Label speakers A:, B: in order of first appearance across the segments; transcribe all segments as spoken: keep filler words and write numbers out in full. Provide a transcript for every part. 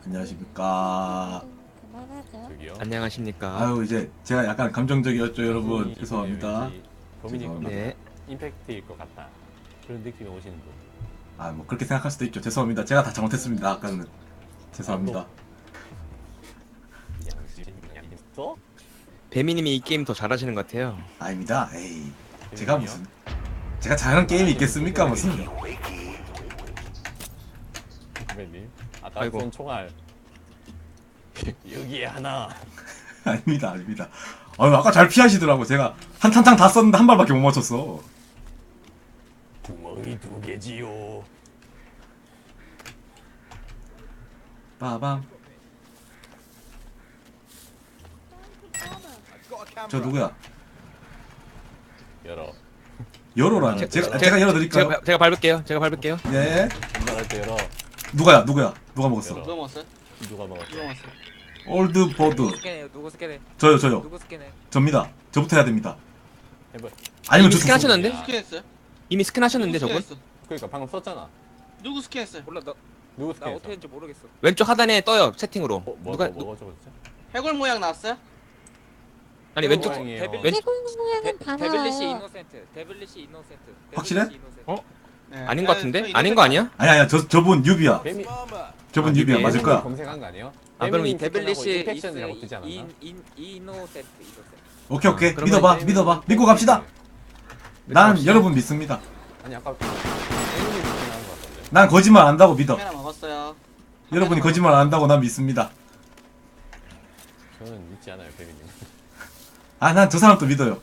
A: 안녕하십니까.
B: 그만하죠.
C: 저기요.
D: 안녕하십니까.
A: 아유 이제 제가 약간 감정적이었죠 여러분. 죄송합니다.
C: 도민이
A: 죄송합니다.
D: 네.
C: 임팩트일 것 같다. 그런 느낌이 오시는 분.
A: 아 뭐 그렇게 생각할 수도 있죠. 죄송합니다. 제가 다 잘못했습니다. 아까는 죄송합니다.
C: 또?
D: 배미님이 이 게임 더 잘하시는 것 같아요.
A: 아닙니다. 에이 제가 무슨 제가 잘하는 게임이 있겠습니까 무슨.
C: 선배님. 아까
D: 아이고.
C: 쏜 총알. 여기에 하나.
A: 아닙니다 아닙니다. 아유 아까 잘 피하시더라고. 제가 한 탄창 다 썼는데 한 발밖에 못 맞췄어.
C: 구멍이 두 개지요.
A: 빠밤. 저 누구야?
C: 열어.
A: 열어라니. 제가 제가 열어드릴까요?
D: 제가, 제가 밟을게요. 제가 밟을게요.
A: 네.
C: 말할 때 열어.
A: 누가야 누구야? 누가 먹었어?
C: 열어.
B: 누가 먹었어요?
C: 누가 먹었어?
B: 누가 먹었어요?
A: 올드 버드.
E: 누구 스캔해요? 누구 스캔해?
A: 저요 저요.
E: 누구 스캔해?
A: 접니다. 저부터 해야 됩니다.
C: 해봐.
A: 아니면
D: 이미
A: 저
D: 스캔 하셨는데?
C: 야.
B: 스캔했어요?
D: 이미 스캔 하셨는데
B: 누구
D: 저분?
B: 스캔했어?
C: 그러니까 방금 썼잖아.
B: 누구 스캔했어요?
E: 몰라 나,
C: 누구
E: 나
C: 스캔했어?
E: 어떻게 했는지 모르겠어.
D: 왼쪽 하단에 떠요 채팅으로.
C: 뭐, 뭐,
D: 누가
C: 뭐, 뭐가 적었지?
B: 해골 모양 나왔어요?
D: 아니 왼쪽
C: 모양이에요.
E: 데빌
D: 왼-
E: 데,
F: 모양은 다
E: 데빌리시
F: 나와요.
E: 이노센트. 데빌리시 이노센트.
A: 확실해?
E: 데빌리시 이노센트.
D: 어?
B: 네.
D: 아닌 것
B: 아,
D: 같은데?
B: 저
D: 아닌 거 아니야?
A: 아니 아니야 저 저분 유비야.
C: 뱀이
A: 저분
D: 아,
A: 유비야
D: 유비.
A: 맞을 거야.
C: 검색한 거 아니에요?
D: 아, 그럼 이
E: 데빌리시
C: 인펙션이라고 뜨지 않았나?
E: 인, 인, 이노센트 이노센트.
A: 오케이 오케이
D: 아, 그러면
A: 믿어봐
C: 뱀이
A: 믿어봐
C: 인펙션이
A: 믿고 갑시다. 난
D: 갑시다.
A: 여러분 믿습니다.
C: 아니 아까 뱀이 인펙션한 거 같던데.
A: 난 거짓말 안 한다고 믿어.
B: 카메라 먹었어요.
A: 여러분이 거짓말 안 한다고 난 믿습니다.
C: 저는 믿지 않아요 뱀이님.
A: 아 난 저 사람도 믿어요.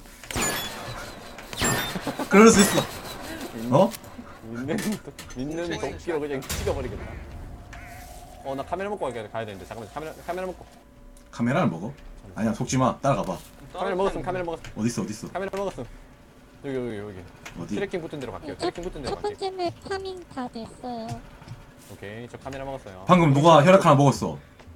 A: 그럴 수 있어. 어?
C: 믿는 도- 믿는 도끼로 그냥 찍어버리겠다. 어 나 카메라 먹고 가야 가야 되는데 잠깐만 카메라 카메라 먹고.
A: 카메라를 먹어? 아니야 속지 마. 따라가봐.
C: 카메라 먹었음 카메라 먹었음
A: 어디 있어 어디 있어
C: 카메라 먹었음. 여기 여기 여기.
A: 어디?
C: 트래킹 붙은 대로 갈게요.
F: 첫,
C: 트래킹 붙은 대로
F: 첫
C: 갈게요.
F: 번째 맵 파밍 다 됐어요.
C: 오케이 저 카메라 먹었어요.
A: 방금 누가 혈액 하나 먹었어.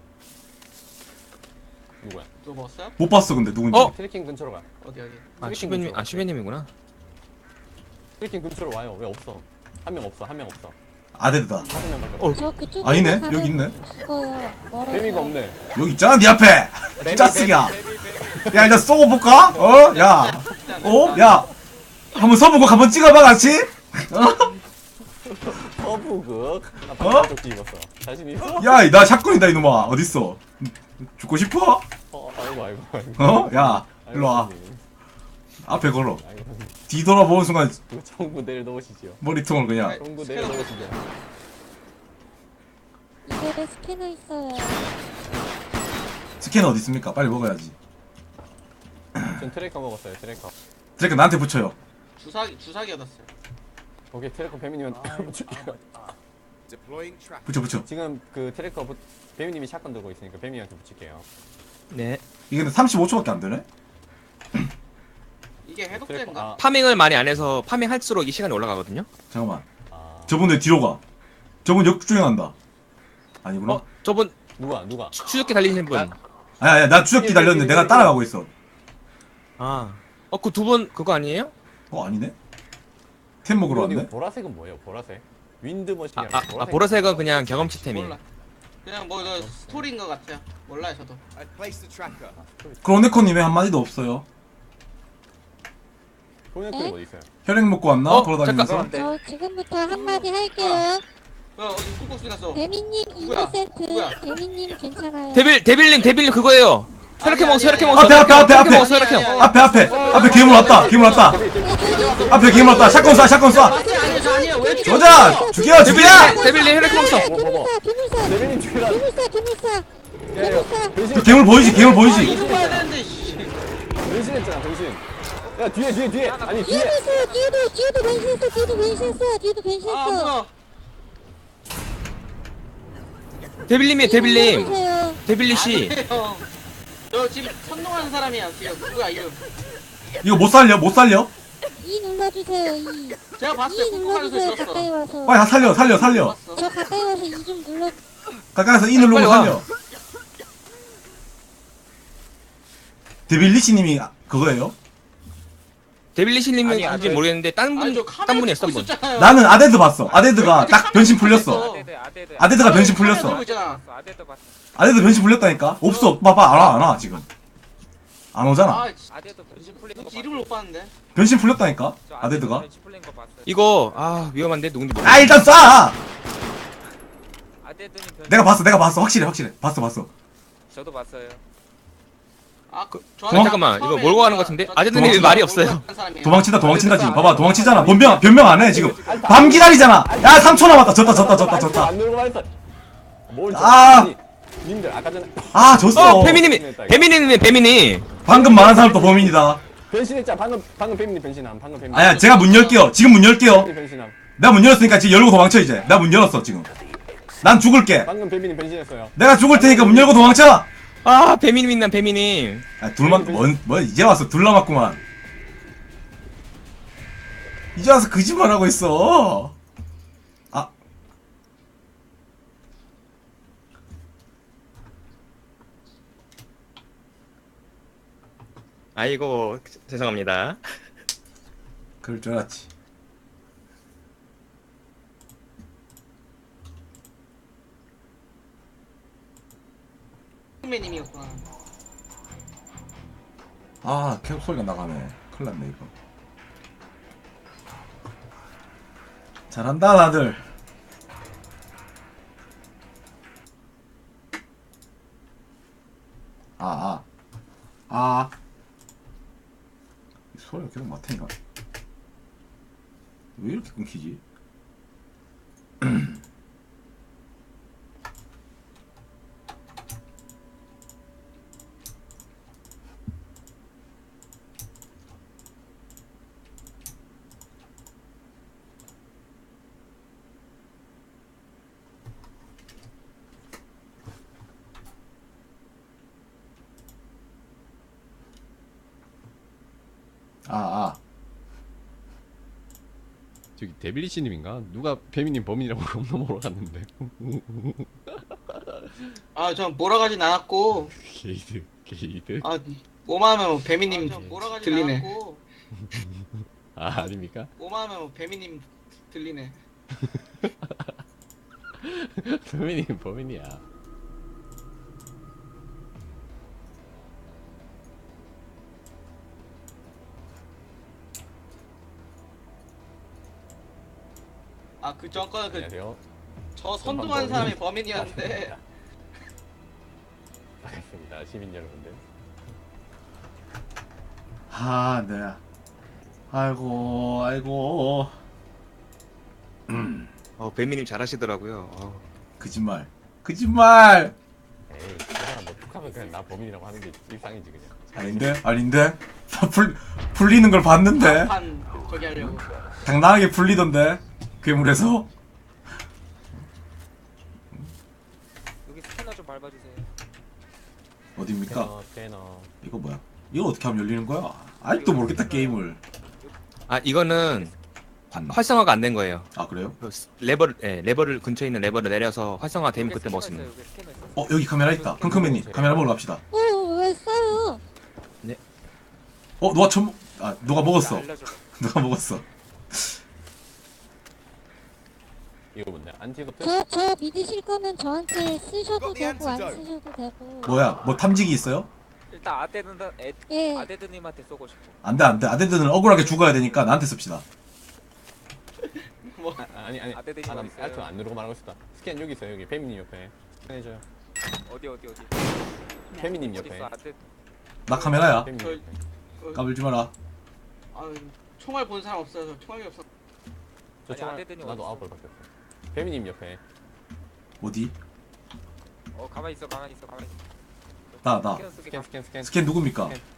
C: 누구야?
B: 누가 먹었어요?
A: 못 봤어 근데 누군지.
D: 어?
C: 트래킹 근처로 가.
B: 어디 어디?
D: 아 슈베님 아 슈베님이구나.
C: 트래킹 근처로 와요. 왜 없어? 한 명 없어 한 명 없어.
A: 아데드다.
C: 다섯 명밖에
D: 어.
C: 없어.
F: 저 그쪽에
A: 아니네 여기 있네.
F: 죽어요. 멀어서.
C: 뱀이가 없네.
A: 여기 있잖아 네 앞에. 짜쓰기야. 야 일단 쏘고 볼까? 어? 야. 어? 야. 한번 서보고 한번 찍어봐 같이. 어?
C: 서부극. 나
A: 어?
C: 방금 조끼 입었어. 자신 있어?
A: 야, 나 샷건이다 이놈아. 어딨어? 죽고 싶어?
C: 어 아이고 아이고 아이고.
A: 어? 야,
C: 아이고,
A: 일로 와.
C: 선생님.
A: 앞에 걸어.
C: 아이고 선생님.
A: 뒤돌아보는 순간
C: 이거 청구 내려놓으시죠.
A: 머리통을 그냥.
C: 청구 내려놓으시죠.
F: 이쪽에 스캐너 있어요.
A: 스캐너 어디 있습니까? 빨리 먹어야지.
C: 전 트래커 먹었어요. 트래커.
A: 드래그 나한테 붙여요.
B: 주사기 주사기 얻었어요.
C: 오케이 트래커 배미님한테 붙일게요.
A: 붙여 붙여.
C: 지금 그 트래커 부... 배미님이 샷건 들고 있으니까 배미한테 붙일게요.
D: 네.
A: 이게 근데 삼십오 초밖에 안 되네?
B: 이게
C: 트래커
B: 해독제인가?
C: 아,
D: 파밍을 많이 안 해서 파밍할수록 이 시간이 올라가거든요.
A: 잠깐만.
C: 아
A: 저분 왜 뒤로 가? 저분 역주행한다. 아니구나.
D: 어 저분
C: 누가 누가?
D: 추- 추적기 달리시는 분.
A: 아니, 아니, 나 추적기 달렸는데 내가 따라가고 있어.
D: 아. 어 그 두 분 그거 아니에요?
A: 어, 아니네? 템 먹으러
C: 이거
A: 왔네?
C: 보라색은 뭐예요? 보라색? 윈드
D: 아,
C: 머신이라고.
D: 아, 아 보라색은 그냥 경험치템이.
B: 몰라. 그냥 뭐 이거 스토리인 것 같아요. 몰라요 저도.
A: 크로네코님의 한마디도 없어요.
C: 소녀클
F: 에?
C: 어디 있어요?
A: 혈액 먹고 왔나?
D: 어,
A: 걸어다니면서?
D: 잠깐.
F: 저 지금부터 한마디 할게요.
B: 야 어디 뚝뚝 났어.
F: 배미님
B: 누구야?
F: 이노센트.
B: 누구야?
F: 배미님 괜찮아요.
D: 데빌 데빌님 데빌님 그거예요. 혈액해
B: 아니,
D: 먹었어
B: 아니,
D: 혈액해
B: 아니,
D: 먹었어.
A: 앞에, 앞에, 앞에,
D: 혈액해
A: 앞에.
D: 먹었어 혈액해.
B: 아니, 아니,
A: 앞에, 앞에! 앞에 괴물 왔다! 괴물 왔다! 앞에 괴물 왔다! 샷건 쏴! 샷건 쏴!
B: 아니 아니 저 아니에요. 왜 죽여?
A: 쏘자! 죽여! 죽여!
D: 데빌님 데빌님 혈액해 먹었어.
C: 뭐, 뭐, 뭐.
F: 괴물사 괴물사
C: 배미님 죽이라.
F: 괴물사 괴물사
C: 야야
A: 저 괴물 보이지? 괴물
B: 아
A: 보이지?
B: 이거 봐야 되는데. 씨.
C: 변신했잖아 변신. 야 뒤에 뒤에 뒤에. 아니 뒤에.
F: 뒤에도 있어요. 뒤에도 뒤에도 변신했어. 뒤에도 변신했어. 뒤에도
B: 아
F: 변신했어.
B: 뭐야?
D: 데빌님이 데빌님
F: 눌러주세요.
D: 데빌리 씨.
B: 아니에요. 저 지금 선동하는 사람이야 지금. 누구야 이름?
A: 이거 못 살려? 못 살려?
F: 이 눌러주세요. 이.
B: 제가 봤어요.
F: 이
B: 꾹꾹하는 소리
F: 눌러주세요. 가까이
B: 들었어.
F: 와서.
A: 빨리 다 살려 살려 살려
B: 봤어.
F: 저 가까이 와서 이 좀 눌러.
A: 가까이서 이 누르고
D: 빨리 와.
A: 살려 데빌리시님이 그거예요?
D: 데빌리시님은
E: 아니,
D: 아닌지
E: 아니.
D: 모르겠는데 딴
B: 아니 저
D: 분,
B: 카메라
D: 딴 분이 했어
B: 찍고
D: 한 분.
B: 있었잖아요.
A: 나는 아데드 봤어. 아데드가 딱 변신 풀렸어.
E: 아데드 아데드
A: 아데드가 변신
B: 카메라
A: 풀렸어.
B: 들고 있잖아.
E: 아데드 봤어.
A: 아데드 변신 풀렸다니까? 없어. 봐봐, 안 와, 안 와, 지금. 안 오잖아.
B: 아,
E: 아데드 변신 풀린 거
B: 누군지 이름을 못 봤는데.
A: 변신 풀렸다니까?
E: 저
A: 아데드가?
E: 변신 풀린 거 봤어요.
D: 이거 아 위험한데 누군지 모르.
A: 아, 일단 쏴!
E: 아데드님 변신.
A: 내가 봤어, 내가 봤어. 확실해, 확실해. 봤어, 봤어.
E: 저도 봤어요.
B: 아, 그,
A: 도망-
D: 잠깐만, 이거 몰고 가는 것 같은데? 아재들이 왜 말이 없어요?
A: 도망친다, 도망친다, 지금. 봐봐, 도망치잖아. 변명, 변명 안 해, 지금. 밤 기다리잖아. 야, 삼 초 남았다. 졌다, 졌다, 졌다, 졌다.
C: 안 누르고 말했어. 뭘 저-
A: 아.
C: 아니, 님들 아까 전에
A: 아, 졌어.
D: 어 배미님이 배미님이 배미님.
A: 방금 말한 사람도 범인이다.
C: 변신했잖아. 방금 방금 뱀님 변신함. 방금 뱀님.
A: 아야, 제가 문 열게요. 지금 문 열게요.
C: 뱀님 변신함.
A: 내가 문 열었으니까 지금 열고 도망쳐, 이제. 내가 문 열었어, 지금. 난 죽을게.
C: 방금 뱀님 변신했어요.
A: 내가 죽을 테니까 문 열고 도망쳐!
D: 아 배미님 난 배미님.
A: 아, 둘만, 뭔, 뭐, 이제 와서 둘 남았구만. 이제 와서 거짓말 하고 있어. 아.
D: 아이고 죄송합니다.
A: 그럴 줄 알았지.
B: 선배님이었구나.
A: 아, 계속 소리가 나가네. 큰일 났네, 이거. 잘한다, 다들. 아, 아. 아. 이 소리가 계속 맡으니까. 왜 이렇게 끊기지? 아, 아.
G: 저기 데빌리시님인가? 누가 배미님 범인이라고 겁나 몰아갔는데.
B: 아, 전 몰아가진 않았고.
G: 게이드, 게이드.
B: 아, 오마하면 뭐 배미님 들리네.
G: 아 아닙니까?
B: 오마하면 뭐 배미님 들리네.
G: 배미님 범인이야.
B: 아, 그 전거는 그
C: 안녕하세요.
B: 저 선동한 사람이 범인이었는데.
C: 반갑습니다. 시민 여러분들.
A: 아, 네. 아이고, 아이고.
D: 어 배미님 잘하시더라고요. 어.
A: 거짓말. 거짓말!
C: 에이, 그 사람 뭐 툭하면 그냥 나 범인이라고 하는 게 일상이지 그냥.
A: 아닌데? 아닌데? 다 풀, 풀리는 걸 봤는데?
B: 판 저기 하려고.
A: 당당하게 풀리던데? 괴물에서?
E: 여기 스캐너 좀 밟아주세요.
A: 어딥니까?
C: 스캐너, 스캐너.
A: 이거 뭐야? 이거 어떻게 하면 열리는 거야? 아직도 모르겠다, 게임을.
D: 아 이거는
A: 봤나?
D: 활성화가 안 된 거예요.
A: 아, 그래요?
D: 그 스- 레버를 예, 레버를 근처에 있는 레버를 내려서 활성화 되면
E: 여기
D: 그때
E: 스캐너
D: 먹으면.
E: 있어요, 여기 스캐너 있어요.
A: 어, 여기 카메라 있다. 킁킁맨님, 카메라 보러 갑시다.
F: 어, 왜 싸요?
A: 어, 누가 처음, 아, 누가 먹었어.
E: 알려줘.
A: 누가 먹었어.
C: 이거 뭔데? 안티도트?
F: 저, 저 믿으실 거면 저한테 쓰셔도 되고, 안 쓰셔도 되고.
A: 뭐야, 뭐 탐지기 있어요?
E: 일단 아데드는 애,
F: 예.
E: 아데드님한테 쏘고 싶어.
A: 안 돼, 안 돼. 아데드는 억울하게 죽어야 되니까 나한테 씁시다.
B: 뭐
C: 아, 아니 아니.
E: 아데드님
C: 아, 나
E: 어디 있어요?
C: 알트 안 누르고 말하고 있었다. 스캔 여기 있어요. 여기 뱀님 옆에. 스캔해줘요.
E: 어디 어디 어디.
C: 뱀님
E: 어디
C: 옆에.
E: 있어 아데드.
A: 나 카메라야.
C: 뱀님
B: 저-
C: 옆에.
A: 까불지 마라.
B: 아, 총알 본 사람 없어요. 저 총알이 없어.
C: 저
E: 아니,
C: 총알
E: 아데드님
C: 나도
E: 어딨어?
C: 아홉 벌밖에 없어. 뱀님 옆에.
A: 어디?
E: 어 가만히 있어 가만히 있어 가만히 있어.
A: 나, 나.
E: 스캐너 쓰게
C: 스캔
E: 가.
C: 스캔 스캔.
A: 스캔 누굽니까?
C: 스캔.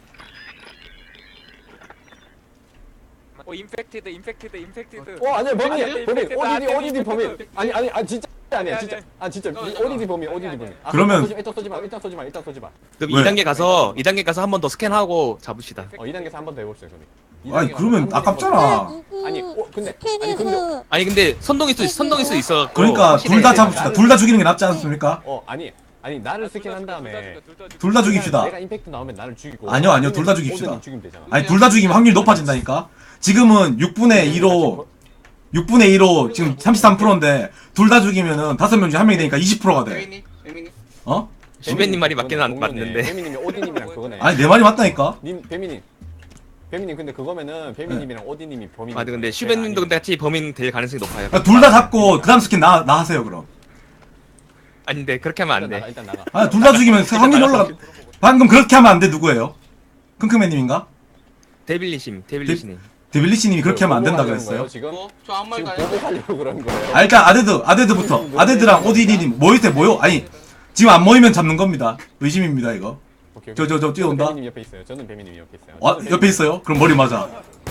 E: 어 인펙티드 인펙티드 인펙티드.
C: 어 아니야 범인
B: 아니,
C: 범인
E: 인펙티드,
C: 오디디
E: 아데드
C: 오디디 범인.
E: 인펙티드.
C: 아니 아니 아 진짜 아니야
E: 아니,
C: 진짜.
E: 아니.
C: 아 진짜
B: 잠깐만,
C: 오디디 범인 오디디
E: 아니,
C: 범인. 아,
A: 그러면-
C: 일단 쏘지 마 일단 쏘지 마 일단 쏘지 마
D: 그럼
A: 왜?
D: 이 단계 가서 이 단계 가서 한 번 더 스캔하고 잡읍시다.
C: 어 이 단계에서 한 번 더 해봅시다 그럼. 이
A: 아니,
C: 단계가
A: 그러면
C: 한 번에
A: 아깝잖아.
C: 해볼게요.
A: 아.
F: 누구
C: 아니, 어, 근데- 아니,
F: 스캔해서
D: 아니 근데 선동일 수 있- 선동일 수 있어.
A: 그러니까
D: 확실해.
A: 둘 다 잡읍시다. 둘 다 죽이는 게 낫지 않습니까?
C: 어 아니 아니 나를 스캔한 다음에
A: 둘 다 죽입시다.
C: 내가 임팩트 나오면 나를 죽이고.
A: 아니요, 아니요, 둘다 죽입시다.
C: 오든이 죽이면 되잖아.
A: 아니 둘 다 죽이면 확률이 높아진다니까. 지금은 육분의 이로 육분의 이로 지금 삼십삼 퍼센트인데 둘 다 죽이면은 다섯 명 중에 한 명이 되니까 이십 퍼센트가 돼.
B: 배민님, 배민님.
A: 어?
D: 슈베님 말이 맞긴 안-
C: 동료네.
D: 맞는데.
C: 배미님이 오디님이랑 그거네.
A: 아니 내 말이 맞다니까.
C: 님 배미님. 배미님 근데 그거면은 배미님이랑 오디님이 범인.
D: 아 근데 슈베님도 근데 같이 범인 될 가능성이 높아요.
A: 둘 다 잡고 그 다음 스킨 나, 나 하세요 그럼.
D: 아닌데 그렇게 하면 안
C: 일단 나가
D: 돼.
C: 일단 나가.
A: 아 둘 다 죽이면 확률이 올라가. 방금 그렇게 하면 안 돼. 누구예요? 킁킁맨님인가?
D: 데빌리심, 데빌리시님.
A: 데빌리시님이 그렇게 하면 안 된다
C: 보복하려는
A: 그랬어요.
C: 거예요, 지금
B: 뭐? 저 아무
C: 지금
B: 말도 안 했어요.
C: 보복하려고 그런 거예요.
A: 아 일단 아데드 아데드부터 아데드랑 오디디님 모일 때 모여. 아니 지금 안 모이면 잡는 겁니다. 의심입니다 이거.
C: 오케이, 오케이.
A: 저, 저, 저 뛰어온다.
C: 배미님 옆에 있어요. 저는 배미님 옆에 있어요.
A: 아
C: 저는
A: 옆에
C: 배미님-
A: 있어요? 그럼 머리 맞아.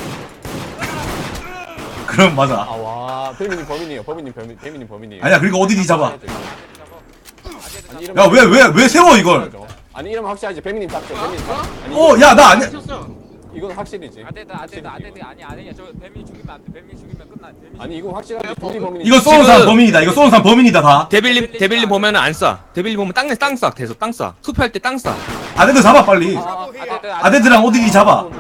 A: 그럼 맞아.
C: 아와 배미님 범인이에요. 범인님 범인 배미님 범인이에요.
A: 아니야 그리고 오디디 잡아.
C: 아니, 이러면
A: 야 왜 왜 왜 세워 이걸?
C: 아니 이러면 확실하지. 배미님 딱 배미님 딱. 아니,
A: 어 야 나 아니야.
B: 미쳤어.
C: 이건 확실이지.
E: 아데드 아데드 아데드 아니 아니야 저 뱀이 죽이면 안돼 뱀이 죽이면 끝나 뱀이
C: 아니 이건 확실하지. 둘이 범인이.
A: 이거 쏘는 사람
D: 지금-
A: 범인이다. 이거 쏘는 사람 범인이다 다.
D: 데빌님, 데빌님 보면은 안 쏴. 데빌님 보면 땅에 땅 쏴. 계속 땅 쏴. 투표할 때 땅 쏴.
A: 아데드 잡아 빨리.
E: 아, 아데드
A: 아데드랑 오디디 잡아.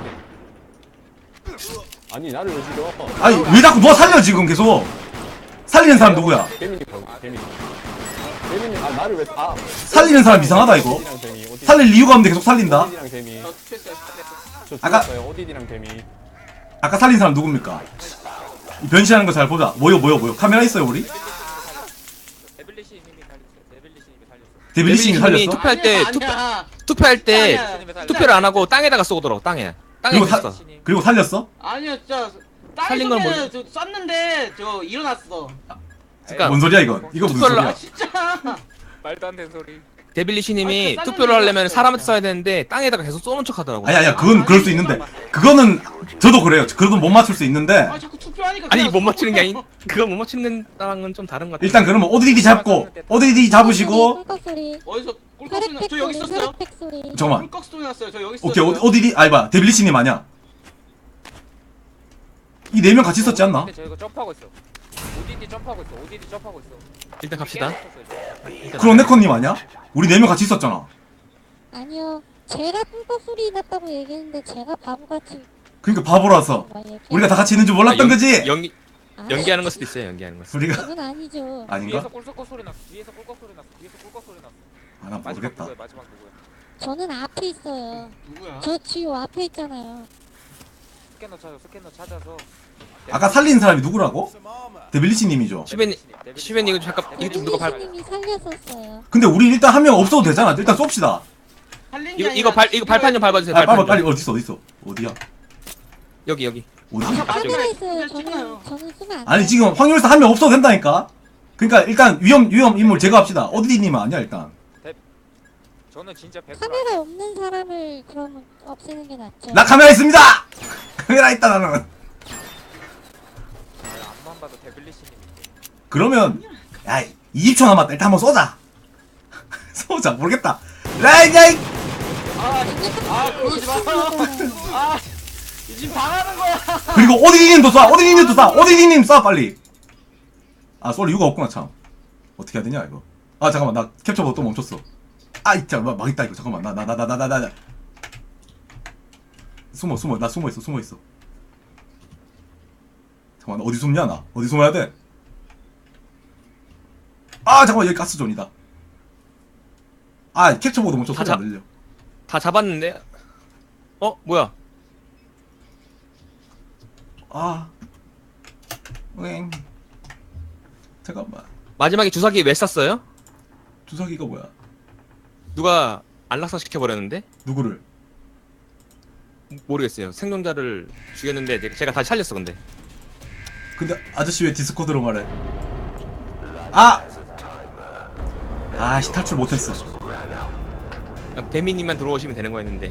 C: 아니 나를 왜 죽여?
A: 아니 왜 자꾸 너 살려 지금 계속. 살리는 사람 누구야?
C: 배민이 범 배민이. 배민이 아 나를 왜 아.
A: 살리는 사람 이상하다 이거.
C: 오디디랑 뱀이, 오디디-
A: 살릴 이유가 없는데 계속 살린다.
C: 오디디랑 뱀이.
B: 저 투표했어요. 투표했어요.
C: 저
A: 아까-
C: 죽었어요. 오디디랑 뱀이.
A: 아까 살린 사람 누굽니까? 이 변신하는 거 잘 보자. 뭐요 뭐요 뭐요. 카메라 있어요 우리?
E: 데빌리시님이 살렸어 데빌리시님이 살렸어
A: 데빌리싱이
D: 데빌리싱이
A: 살렸어?
D: 투표할 때
B: 아니야,
D: 투표
B: 아니야.
D: 투표할 때
B: 아니야.
E: 데빌리시님이
D: 투표를 안 하고 땅에다가 쏘더라고 땅에. 땅에
A: 그리고 사-
D: 있어.
A: 그리고 살렸어?
B: 아니요, 진짜 땅에
D: 살린 건
B: 쏘면 저 쐈는데 저 일어났어.
D: 그러니까
A: 뭔 소리야 이건? 이거 무슨
D: 투표를
A: 소리야?
B: 아 진짜.
E: 말도 안 되는 소리
D: 데빌리시님이
B: 아, 그
D: 투표를 하려면
B: 쌌는데
D: 사람한테 써야 되는데 땅에다가 계속 쏘는 척 하더라고.
A: 아니 아니야 그건 그럴 수 있는데 그거는 저도 그래요. 그건 못 맞출 수 있는데
B: 아 자꾸 투표하니까.
D: 아니
B: 그냥
D: 못 맞추는 게 아니
B: 쏘고.
D: 그거 못 맞추는다랑은 좀 다른 것 같아.
A: 일단 그러면 오디디 잡고 오디디 잡으시고
F: 꿀꺽 소리.
B: 어디서 꿀꺽 소리 나?
F: 혈액팩
B: 저 여기
F: 소리.
B: 있었어요.
F: 혈액팩 소리.
A: 잠깐만.
B: 꿀꺽 소리 났어요. 저 여기 있었어요.
A: 오케이 오, 오디디 아니 봐 데빌리시님 아니야? 이 네 명 같이 있었지 않나?
E: 근데 저 이거 점프하고 있어 오디디 점프하고 있어 오디디 점프하고 있어
D: 일단 갑시다.
A: 크로네코님 아니야? 우리 네 명 같이 있었잖아.
F: 아니요. 제가 꿀꺽 소리 났다고 얘기했는데 제가 바보같이
A: 그러니까 바보라서
F: 막 얘기해.
A: 우리가 다 같이 있는 줄 몰랐던
D: 아, 연-
A: 거지?
D: 연기
F: 아,
D: 연기하는 걸 수도 있어요. 연기하는 걸. 수도.
A: 우리가
F: 그건 아니죠.
A: 아닌가?
E: 뒤에서 꿀꺽 소리 났어 뒤에서 꿀꺽 소리 났어 뒤에서 꿀꺽 소리 났어
A: 아 난
E: 마지막
A: 모르겠다.
E: 누구야 마지막 누구야
F: 저는 앞에 있어요.
B: 누구야?
F: 저 지금 앞에 있잖아요.
E: 스캐너 찾아 스캐너 찾아서
A: 아까 살린 사람이 누구라고? 데빌리시님이죠.
D: 슈베님 슈베님 이거 잠깐 이거 좀 누가 발
F: 데빌리시님이 살렸었어요.
A: 근데 우리 일단 한 명 없어도 되잖아. 일단 쏩시다.
B: 살린 게
D: 이거
B: 아니라
D: 이거 발 이거 발판 좀 밟아주세요.
A: 아, 빨리
D: 발판
A: 빨리
D: 좀.
A: 어디 있어 어디 있어 어디야?
D: 여기 여기.
A: 어디?
B: 아까
F: 카메라
B: 마지막에
F: 있어요.
B: 투표 찍어요.
F: 저는 저는 쓰면 안 돼요.
A: 아니 지금 확률상 한 명 없어도 된다니까. 그러니까 일단 위험 위험 인물 제거합시다. 오디디님은 아니야 일단.
E: 저는 진짜 백
F: 카메라 없는 사람을 그러면 없애는 게 낫죠.
A: 나 카메라 있습니다. 카메라 있다 나는.
E: 앞만 봐도 데빌리시님인데
A: 그러면 야 이십 초 남았다. 일단 한번 쏘자. 쏘자 모르겠다. 라이 야이.
B: 아 그러지 마. 아 지금 당하는 거야.
A: 그리고 오디디님도 쏴. 오디디님도 쏴. 오디디님 쏴 빨리. 아 쏠 이유가 없구나 참. 어떻게 해야 되냐 이거. 아 잠깐만 나 캡처보다 또 멈췄어. 아이 잠깐만 망했다 이거. 잠깐만 나 나 나 나 나 나 나 숨어 숨어 나 숨어 있어 숨어 있어. 잠깐만 어디 숨냐 나 어디 숨어야 돼? 아 잠깐만 여기 가스존이다. 아 캡처보다 멈춰 소리 안 들려.
D: 다 잡았는데. 어 뭐야?
A: 아 응. 잠깐만
D: 마지막에 주사기 왜 쐈어요?
A: 주사기가 뭐야?
D: 누가 안락사 시켜 버렸는데?
A: 누구를?
D: 모르겠어요. 생존자를 죽였는데 제가- 제가 다시 살렸어 근데.
A: 근데 아저씨 왜 디스코드로 말해? 아! 아씨 탈출 못했어.
D: 그냥 배미님만 들어오시면 되는 거였는데.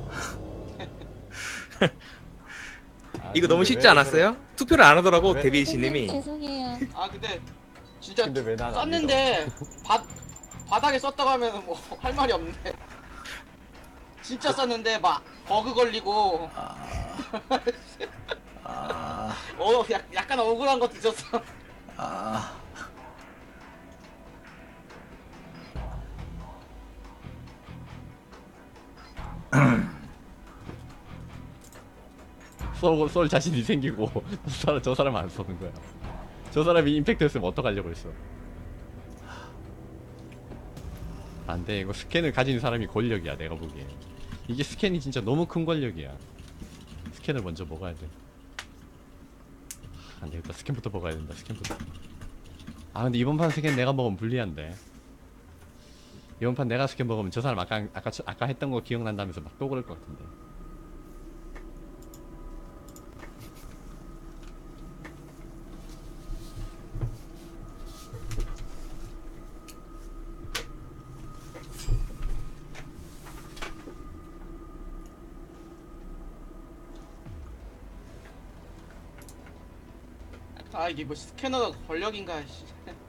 D: 이거 너무 쉽지 않았어요? 투표를 안 하더라고
C: 왜?
D: 데뷔씨님이.
F: 죄송해요.
B: 아 근데 진짜
C: 근데 왜 나는 안
B: 쐈는데 바 바닥에 썼다고 하면 뭐 할 말이 없네. 진짜 쐈는데 막 버그 걸리고
A: 아,
B: 어 약, 약간 억울한 것도 있었어.
A: 아.
G: 쏘고 쏠 자신이 생기고 저 사람, 저 사람 안 쏘는 거야. 저 사람이 임팩트였으면 어떡하려고 했어. 안돼, 이거 스캔을 가진 사람이 권력이야. 내가 보기에 이게 스캔이 진짜 너무 큰 권력이야. 스캔을 먼저 먹어야 돼. 아, 안되겠다. 스캔부터 먹어야 된다. 스캔부터. 아 근데 이번 판 스캔 내가 먹으면 불리한데. 이번 판 내가 스캔 먹으면 저 사람 아까 아까 아까 했던 거 기억난다면서 막 또 그럴 것 같은데.
B: 아 이게 뭐 스캐너가 권력인가 씨.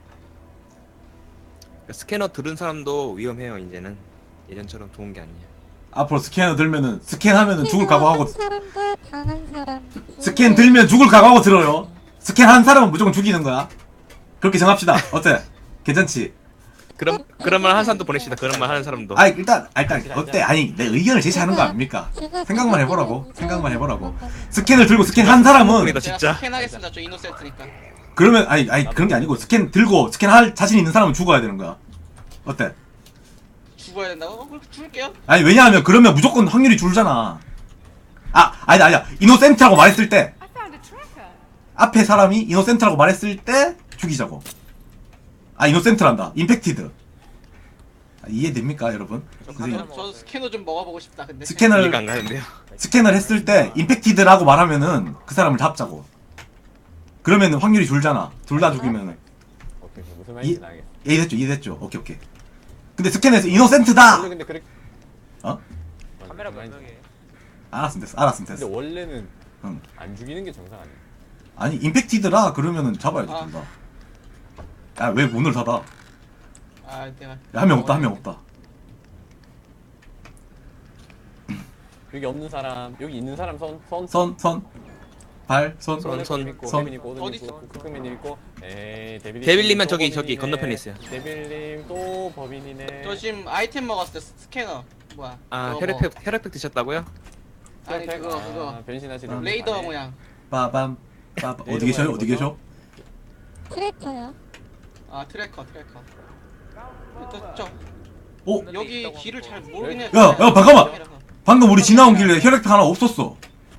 D: 스캐너 들은 사람도 위험해요 이제는. 예전처럼 좋은 게 아니야.
A: 앞으로 스캐너 들면은 스캔하면은 죽을 각오하고
F: 사람과 당한 사람.
A: 스캔 들면 죽을 각오하고 들어요. 스캔한 사람은 무조건 죽이는 거야. 그렇게 정합시다. 어때? 괜찮지?
D: 그럼 그런 말 하는 사람도 보냅시다. 그런 말 하는 사람도.
A: 아니 일단 아, 일단 어때? 아니 내 의견을 제시하는 거 아닙니까?
F: 제가
A: 생각만 해보라고.
F: 생각해보니
A: 생각만 해보라고.
F: 저는
A: 스캔을 들고 스캔한 사람은
D: 보내다
B: 제가
D: 진짜.
B: 스캔하겠습니다. 저 이노센트니까.
A: 그러면 아니 아니 그런 게 아니고 스캔 들고 스캔할 자신 있는 사람은 죽어야 되는 거야. 어때?
B: 죽어야 된다고? 어, 그럼 죽을게요.
A: 아니 왜냐하면 그러면 무조건 확률이 줄잖아. 아 아니다 아니다 이노센트라고 말했을 때 앞에 사람이 이노센트라고 말했을 때 죽이자고. 아 이노센트란다. 임팩티드. 아, 이해됩니까 여러분? 선생님,
B: 저, 저 스캐너 좀 먹어보고 싶다. 근데
A: 스캔을
D: 이해가 안 가는데요.
A: 스캔을 했을 때 임팩티드라고 말하면은 그 사람을 잡자고. 그러면은 확률이 줄잖아. 둘 다 죽이면은.
C: 오케이, 무슨
A: 이,
C: 말인지 알겠어.
A: 이해됐죠? 이해됐죠? 오케이 오케이. 근데 스캔에서 이노센트다.
C: 원래 근데 그래.
A: 어?
E: 카메라
C: 무슨 말인지-
E: 분명해.
A: 알았으면 됐어. 알았으면
C: 근데
A: 됐어.
C: 원래는
A: 응.
C: 안 죽이는 게 정상 아니야?
A: 아니 임팩티드라 그러면은 잡아야지
B: 아.
A: 둘 다. 야 왜 문을 닫아?
B: 아 내가
A: 한 명 없다 한 명 없다.
C: 여기 없는 사람, 여기 있는 사람 손, 손,
A: 선 선. 발 손.
D: 손, 손,
C: 있고,
A: 손.
C: 데빈 있고, 오든
B: 어디
C: 있고,
B: 있어?
C: 쿠크맨님 있고, 에이, 데빌.
D: 데빌님은 저기, 저기 건너편에 있어요.
C: 데빌님 또 법인이네.
B: 저 지금 아이템 먹었을 때 스캐너 뭐야?
D: 아
B: 그거
D: 혈액팩 혈액팩 드셨다고요?
B: 뭐, 아니 그거
C: 아,
B: 그거
C: 변신하시는
B: 레이더
C: 분이네.
B: 모양.
A: 빠밤. 빠밤. 어디 계셔요? 어디 계셔?
F: 트래커요.
B: 아 트래커 트래커. 저, 저
A: 어?
B: 여기 길을 잘 모르겠네.
A: 야, 야, 잠깐만! 방금 우리 지나온 길에 혈액팩 하나 없었어.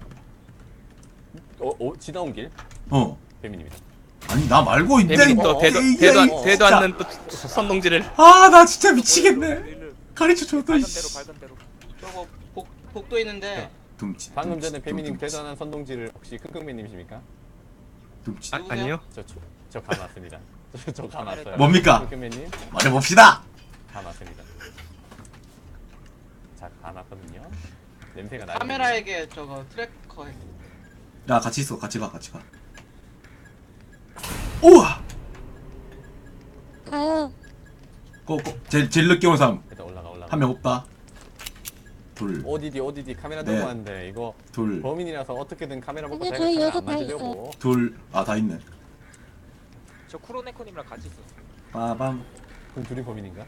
C: 어, 어, 지나온 길?
A: 어.
C: 배민입니다.
A: 아니 나 말고 있네.
D: 데빌님
A: 이-
D: 또 대도
A: 이-
D: 대도
A: 이-
D: 안- 대도
A: 진짜.
D: 않는 또 선동질을.
A: 아 나 진짜 미치겠네. 가르쳐 줬다.
E: 밝은
A: 이씨.
E: 대로 밝은 대로.
B: 저거 복 복도 있는데
A: 둠치.
C: 방금
A: 둠치,
C: 전에 배민님
A: 둠치,
C: 대단한 선동질을 혹시 킁킁맨님이십니까?
A: 둠치.
D: 아, 아니요.
C: 저, 저, 저 감았습니다. 저, 저 감았어요.
A: 뭡니까?
C: 킁킁맨님,
A: 말해봅시다.
C: 감았습니다. 자, 감았거든요. 냄새가 나요.
B: 카메라에게 저거 트래커 해.
A: 야 같이 있어. 같이 가. 같이 가. 우와.
F: 가요.
A: 고고. 제일 제일 늦게 온 사람
C: 일단 올라가, 올라가.
A: 한 명 없다. 둘.
C: 어디디, 어디디 카메라
A: 네.
C: 들고 왔는데 이거
A: 둘.
C: 범인이라서 어떻게든 카메라 먹고
F: 근데
C: 제가
F: 저희
C: 카메라
F: 여섯
C: 안
F: 다
C: 만지려고.
A: 둘. 아 다 있네.
E: 저 쿠로네코님이랑 같이 있었어.
A: 빠밤.
C: 그럼 둘이 범인인가?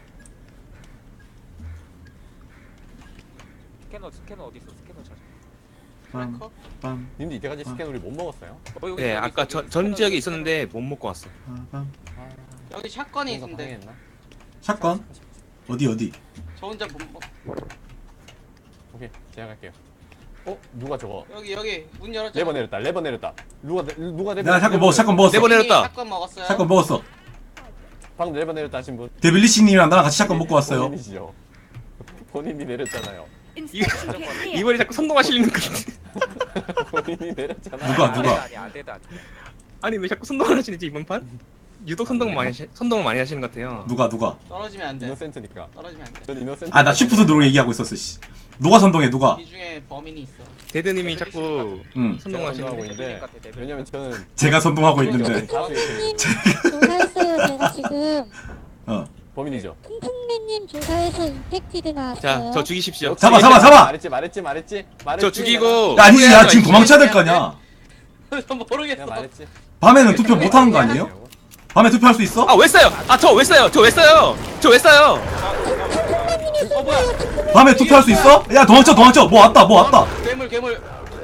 E: 스캐너 스캐너 어디 있어? 스캐너 찾아.
A: 빰.
B: 트래커?
A: 빰.
C: 님도 이때까지
A: 아.
C: 스캔 우리 못 먹었어요?
E: 어, 여기,
D: 네
E: 여기
D: 아까
E: 있어,
D: 전
E: 여기
D: 전
E: 스캐너,
D: 지역에
E: 스캐너.
D: 있었는데 못 먹고 왔어.
A: 빠밤.
B: 여기 샷건이
C: 뭔가
B: 있는데
C: 방해했나?
A: 샷건. 어디 어디?
B: 저 혼자 못 먹.
C: 오케이, 제가 갈게요. 어? 누가 저거?
B: 여기 여기 문 열었잖아.
C: 레버 내렸다, 레버 내렸다. 누가, 내- 누가 레버
A: 내가 샷건 먹었어. 샷건 먹었어.
D: 레버 내렸다.
B: 샷건 먹었어요.
A: 샷건 먹었어.
C: 방금 레버 내렸다 하신 분.
A: 데빌리씨님이랑 나랑 같이 샷건 먹고 왔어요.
C: 본인이시죠? 본인이 내렸잖아요.
D: 이번에 자꾸 선동하시는 거.
C: 본인이 내렸잖아요.
A: 누가, 누가?
E: 아니 아대다 아대.
D: 아니 왜 자꾸 선동을 하시는지 이번 판? 유독 선동 많이 하시, 선동을 많이 하시는 것 같아요.
A: 누가 누가?
B: 떨어지면 안 돼.
C: 이노센트니까.
B: 떨어지면 안 돼.
C: 전 이노센트.
A: 아 나 쉬프트 누르고 얘기하고 있었어. 씨. 누가 선동해 누가?
B: 이 중에 범인이 있어.
D: 데드님이 자꾸
A: 응.
C: 제가 선동하고
D: 선동하시는.
C: 있는데 왜냐면 저는
A: 제가 선동하고 있는데.
F: 님 조사했어요. 제가 지금
A: 어.
C: 범인이죠.
F: 퉁퉁맨님 조사해서 임팩티드 나왔어요.
D: 자, 저 죽이십시오.
A: 잡아, 잡아, 잡아!
C: 말했지, 말했지, 말했지. 말했지.
D: 저 죽이고.
A: 야, 아니지 야 지금 도망쳐야 될 거 아니야.
B: 모르겠어.
C: 내가 말했지.
A: 밤에는 투표 못 하는 거 아니에요? 밤에 투표할 수 있어?
D: 아 왜 써요? 아 저 왜 써요? 저 왜 써요? 저 왜 써요?
B: 어 뭐야?
A: 밤에 투표할 수 있어? 야 도망쳐 도망쳐. 뭐 왔다 뭐 왔다.
B: 괴물 괴물.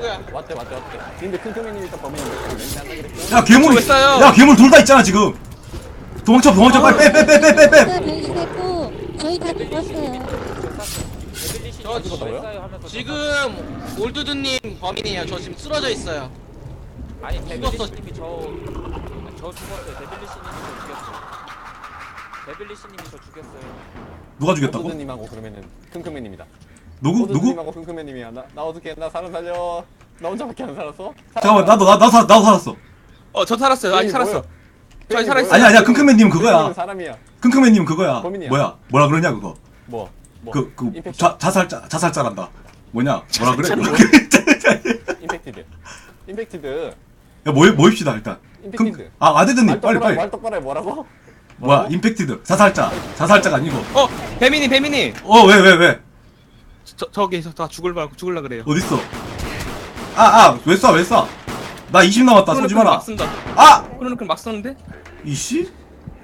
B: 누구야?
C: 왔대 왔대 왔대. 근데 킁킁맨님 일단 범인인데 왠지 안 나겠죠?
A: 야 괴물
D: 왜 싸요?
A: 야 괴물 둘 다 있잖아 지금. 도망쳐 도망쳐 빨리 빼 빼 빼 빼 빼.
F: 제가 변신했고 저희 다 죽었어요.
E: 데빌리시
B: 저
C: 죽었다고요?
E: 하면서
B: 지금 올드드님 범인이에요. 저 지금 쓰러져 있어요.
E: 아니
B: 죽었어.
E: 데빌리시님이 저, 아니, 저 죽었어요. 데빌리시님이 저 죽였어요. 데빌리시님이 저 죽였어요.
A: 누가 죽였다고?
C: 호두님하고 그러면은 킁킁맨입니다.
A: 누구 누구?
C: 호두님하고 킁킁맨님이야. 나, 나 어떻게 나 사람 살려? 나 혼자밖에 안 살았어?
A: 잠깐만 나도 나, 나도 살- 나도 살았어.
D: 어 저 살았어요. 아직
C: 뱀이
D: 살았어.
C: 뭐야?
D: 저 아직
C: 뱀이
D: 살아있어.
C: 뭐야?
A: 아니 아니야 킁킁맨님 그거야.
C: 킁킁맨은 사람이야.
A: 킁킁맨님 그거야.
C: 범인이야.
A: 뭐야 뭐라 그러냐 그거.
C: 뭐? 뭐?
A: 그 그
C: 임팩션.
A: 자살자 자살자란다. 뭐냐 뭐라 그래?
C: 임팩티드. 임팩티드.
A: 야 모입 모입시다 일단.
C: 임팩티드.
A: 금- 아 아데드님
C: 말
A: 빨리
C: 똑바로 해,
A: 빨리.
C: 말 똑바로 해. 뭐라고?
A: 뭐야 임팩티드 자살자 자살자가 아니고.
D: 어 배민이 배민이.
A: 어 왜 왜 왜?
D: 저 저기서 다 죽을 말 죽을라 그래요.
A: 어딨어? 아아왜 쏴 왜 쏴? 나 이십 남았다 쏘지 마라.
D: 막 쓴다.
A: 아
D: 그러는 막 썼는데?
A: 이씨?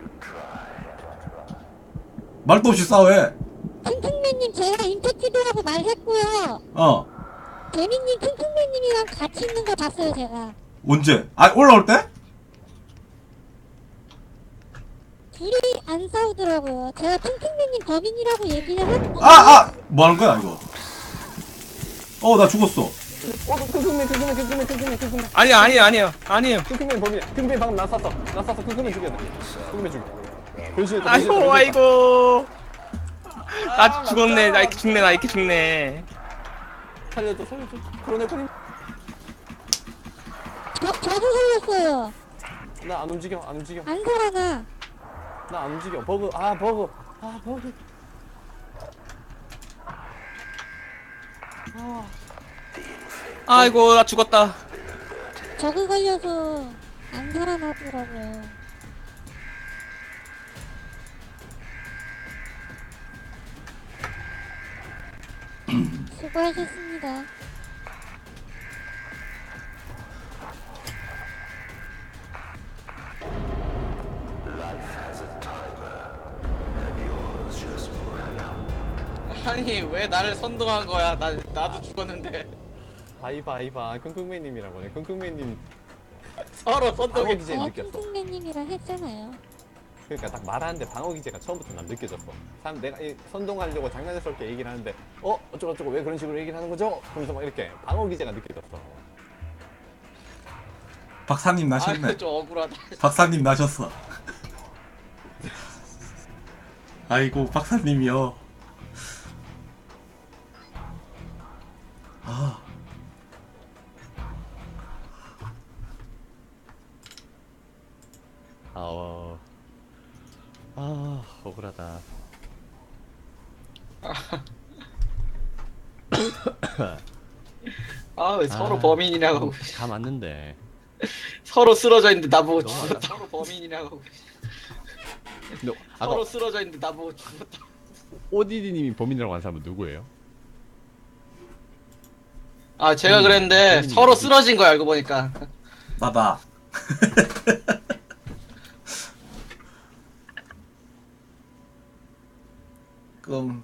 A: 말도 없이 싸왜?
F: 퉁퉁맨님 제가 임팩티드라고 말했고요.
A: 어
F: 데미님 퉁퉁맨님이랑 같이 있는 거 봤어요 제가.
A: 언제? 아 올라올 때?
F: 둘이 안 싸우더라고요. 제가 퉁퉁맨님 범인이라고 얘기를 했고.
A: 아 아! 뭐 하는 거야 이거? 어 나 죽었어.
C: 어, 킁킁맨, 킁킁맨, 킁킁맨, 킁킁맨, 킁킁맨.
D: 아니야 아니야 아니야 아니에요.
C: 킁킁맨 범인이야. 킁킁맨 방금 나 쐈어. 나 쐈어. 킁킁맨 죽여야 돼. 킁킁맨 죽여. 변신했다.
D: 아이고
C: 변신했다,
D: 아이고. 나 죽었네. 나 이렇게 죽네. 나 이렇게 죽네.
C: 살려줘, 살려줘. 코로네코님.
F: 저, 저도 살렸어요.
C: 나 안 움직여, 안 움직여.
F: 안 살아나.
C: 나 안 움직여. 버그, 아 버그, 아 버그.
D: 아이고 나 죽었다.
F: 저거 걸려서 안 살아나더라고요. 수고하셨습니다.
B: 아니 왜 나를 선동한 거야? 나 나도 죽었는데
C: 아이바, 아이바. 킁킁맨님이라고 해. 킁킁맨님.
B: 서로
C: 방어
B: 선동해.
C: 기제
F: 제가
C: 느꼈어.
F: 퉁퉁맨님이랑 했잖아요.
C: 그러니까 딱 말하는데 방어 기제가 처음부터 난 느껴졌어. 사람 내가 이 선동하려고 장난스럽게 얘기를 하는데 어 어쩌고 저쩌고 왜 그런 식으로 얘기를 하는 거죠? 그러면서 막 이렇게 방어 기제가 느껴졌어.
A: 박사님 나셨네.
B: 아좀 억울하다.
A: 박사님 나셨어. 아이고 박사님이요. 아.
G: 아, 어. 아, 억울하다.
B: 아 왜 서로
G: 아.
B: 범인이라고
G: 다 맞는데.
B: 서로 쓰러져 있는데 나보고
G: 너무
B: 죽었다. 서로 범인이라고
G: 근데 아까
B: 서로 쓰러져 있는데 나보고 죽었다.
G: 오디디님이 범인이라고 한 사람은 누구예요?
B: 아 제가 그랬는데
G: 범인이
B: 서로
G: 어디-
B: 쓰러진 거야 알고 보니까.
A: 나다. 그럼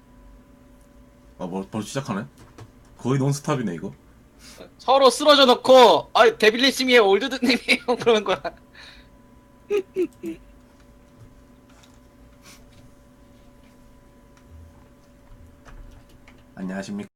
A: 아뭐 벌써 시작하네? 거의 논스탑이네 이거.
B: 서로 쓰러져 놓고 아 데빌리시미의 올드드님이에요 그러는 거야.
A: 안녕하십니까.